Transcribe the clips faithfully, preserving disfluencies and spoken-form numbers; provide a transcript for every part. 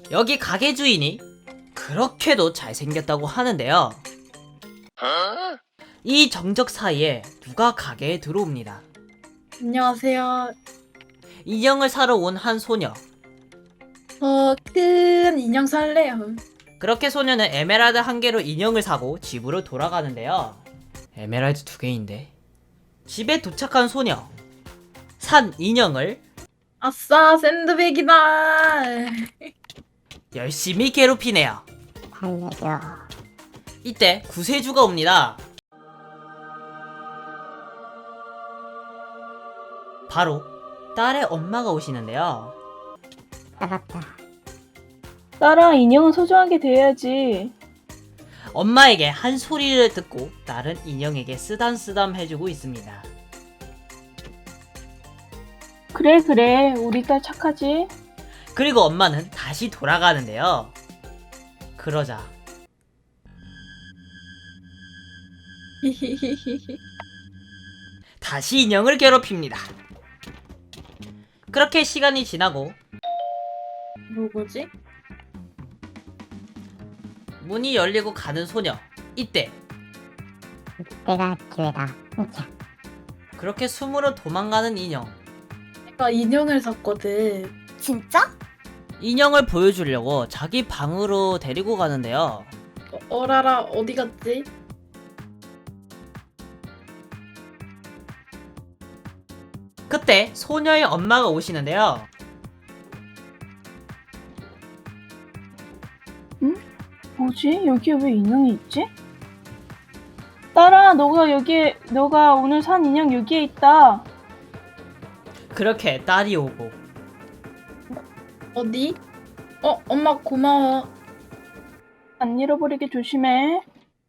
여기 가게 주인이 그렇게도 잘생겼다고 하는데요. 이 정적 사이에 누가 가게에 들어옵니다. 안녕하세요. 인형을 사러 온 한 소녀. 저 큰 인형 살래요. 그렇게 소녀는 에메랄드 한 개로 인형을 사고 집으로 돌아가는데요. 에메랄드 두 개인데. 집에 도착한 소녀. 산 인형을 아싸, 샌드백이다. 열심히 괴롭히네요. 살려줘. 이때 구세주가 옵니다. 바로 딸의 엄마가 오시는데요. 살았다. 딸아, 인형은 소중하게 대해야지. 엄마에게 한 소리를 듣고 딸은 인형에게 쓰담쓰담 해주고 있습니다. 그래, 그래. 우리 딸 착하지? 그리고 엄마는 다시 돌아가는데요. 그러자 다시 인형을 괴롭힙니다. 그렇게 시간이 지나고 누구지? 문이 열리고 가는 소녀. 이때 내가 기회다. 훔쳐. 그렇게 숨으로 도망가는 인형. 내가 인형을 샀거든. 진짜? 인형을 보여주려고 자기 방으로 데리고 가는데요. 어, 어라라, 어디 갔지? 그때 소녀의 엄마가 오시는데요. 뭐지? 여기에 왜 인형이 있지? 딸아, 너가 여기에, 너가 오늘 산 인형 여기에 있다. 그렇게 딸이 오고 어디? 어, 엄마 고마워. 안 잃어버리게 조심해.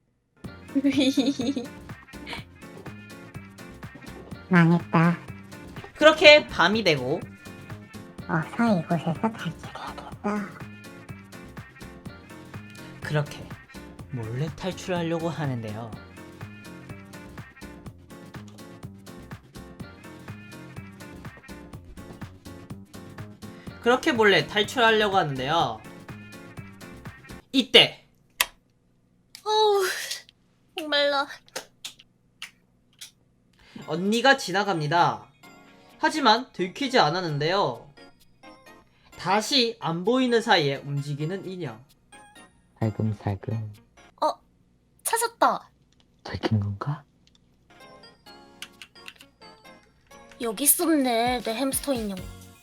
망했다. 그렇게 밤이 되고 어서 이곳에서 탈출해야겠다. 그렇게 몰래 탈출하려고 하는데요. 그렇게 몰래 탈출하려고 하는데요. 이때 어우, 목말라. 언니가 지나갑니다. 하지만 들키지 않았는데요. 다시 안 보이는 사이에 움직이는 인형. 살금살금 찾았다. 들킨 건가? 여기 있었네, 내 햄스터 인형.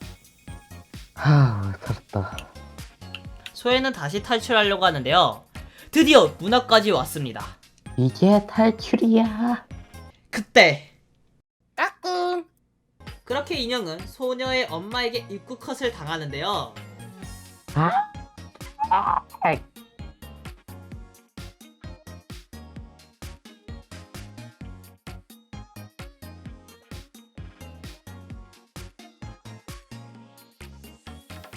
하, 살았다. 소혜는 다시 탈출하려고 하는데요. 드디어 문 앞까지 왔습니다. 이게 탈출이야. 그때 까꿍. 그렇게 인형은 소녀의 엄마에게 입구 컷을 당하는데요. 아, 아, 아이,